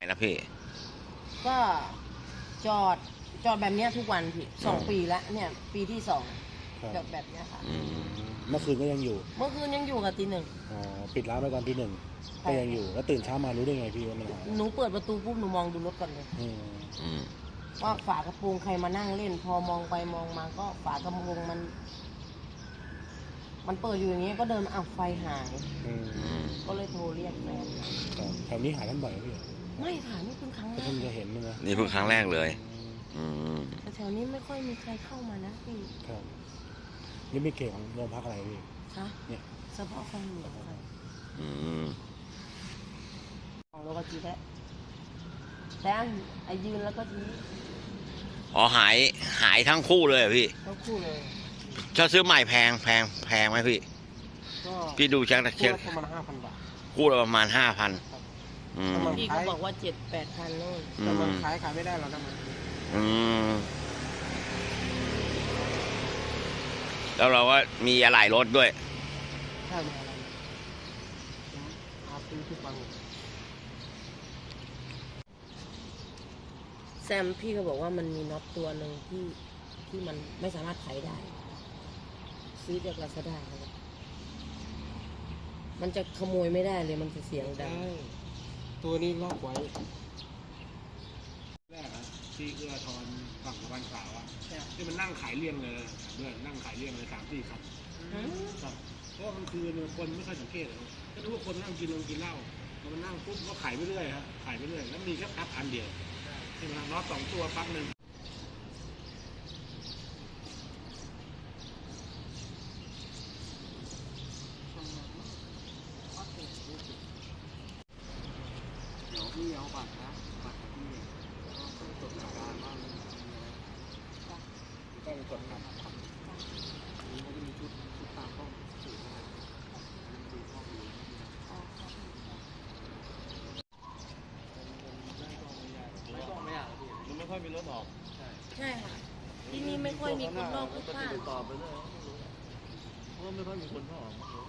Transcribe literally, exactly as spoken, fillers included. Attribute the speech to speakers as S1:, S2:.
S1: นะพี่
S2: ก็จอดจอดแบบเนี้ยทุกวันพี่สองปีแล้วเนี่ยปีที่สองจอดแบบเนี้ยค่ะ
S3: เมื่อคืนก็ยังอยู่
S2: เมื่อคืนยังอยู่กับตีหนึ่ง
S3: อ๋อปิดร้านไปตอนตีหนึ่งก็ยังอยู่แล้วตื่นเช้ามารู้ได้ไงพี่ว่ามันหาย
S2: หนูเปิดประตูปุ๊บหนูมองดูรถก่อนเลยว่าฝากระโปรงใครมานั่งเล่น พอมองไปมองมาก็ฝากระโปรงมัน มันเปิดอยู่อย่างนี้ก็เดินอ้าวไฟหายก็เลยโทรเรียกแฟน
S3: แถวนี้หายกันบ่อยไหมพี่
S2: ไม่ค่ะนี่เพิ่งครั้งแรก
S3: เพิ่งจะเห็นนะ
S1: นี่เพิ่งครั้งแรกเลย
S2: แต่แถวนี้ไม่ค่อยมีใครเข้ามานะพี่
S3: ครับนี่ไม่เกี่ยวของโรงพักอะไรพี่
S2: คะเนี่ยเฉพาะคลองหลวงค่ะของโลกจีแท้แต่ไอยืนแล้วก็จี
S1: อ๋อหายหายทั้งคู่เลยพี่
S2: ทั้งคู่เลย
S1: ถ้าซื้อใหม่แพงแพงแพงไหมพี่พี่ดูเช็คเช็ค
S3: ประมาณห้าพันบาท
S1: คู่ละประมาณห้าพัน
S2: พี่ก็บอกว่าเจ็ดแปดพันนู่น
S3: แต่มันขายขายไม่ได้หรอกนะมัน
S1: แล้วเราก็มีอะไหล่รถด้วย
S3: ใช่มีอะไรอาซื้อทุกวัน
S2: แซมพี่ก็บอกว่ามันมีน็อตตัวหนึ่งที่ที่มันไม่สามารถไขได้ซื้อจากลาซาด้ามันจะขโมยไม่ได้เลยมันจะเสียงดัง
S3: ตัวนี้ล็อกไว้แรกนะที่เอื้อทอนฝั่งตะวันขาวอ่ะที่มันนั่งขายเลี่ยงเลยด้วยนั่งขายเลี่ยงเลยสามสี่ครับเพราะว่ามันคือคนไม่ค่อยสังเกตเลยก็รู้ว่าคนนั่งกินลงกินเหล้ามันนั่งปุ๊บก็ขายไปเรื่อยฮะขายไปเรื่อยแล้วมีแค่ปลั๊กอันเดียวใช่ไหมน็อตสองตัวปลั๊กหนึ่งพี่เอาบัตรนะบัตรที่ต้องจดหมายบ้านบ้างต้องจดครับนี่มันจะมีชุดชุดตามห้องสูงนะครับดูห้องอยู่ไม่ต้องไม่อยากมันไม่ค่อยมีรถออกใช่
S2: ใช่ค่ะที่นี่ไม่ค่อยมีคนนอกพลุกพล่าน
S3: ตอบไปเลยเพราะไม่ค่อยมีคนเข้าออก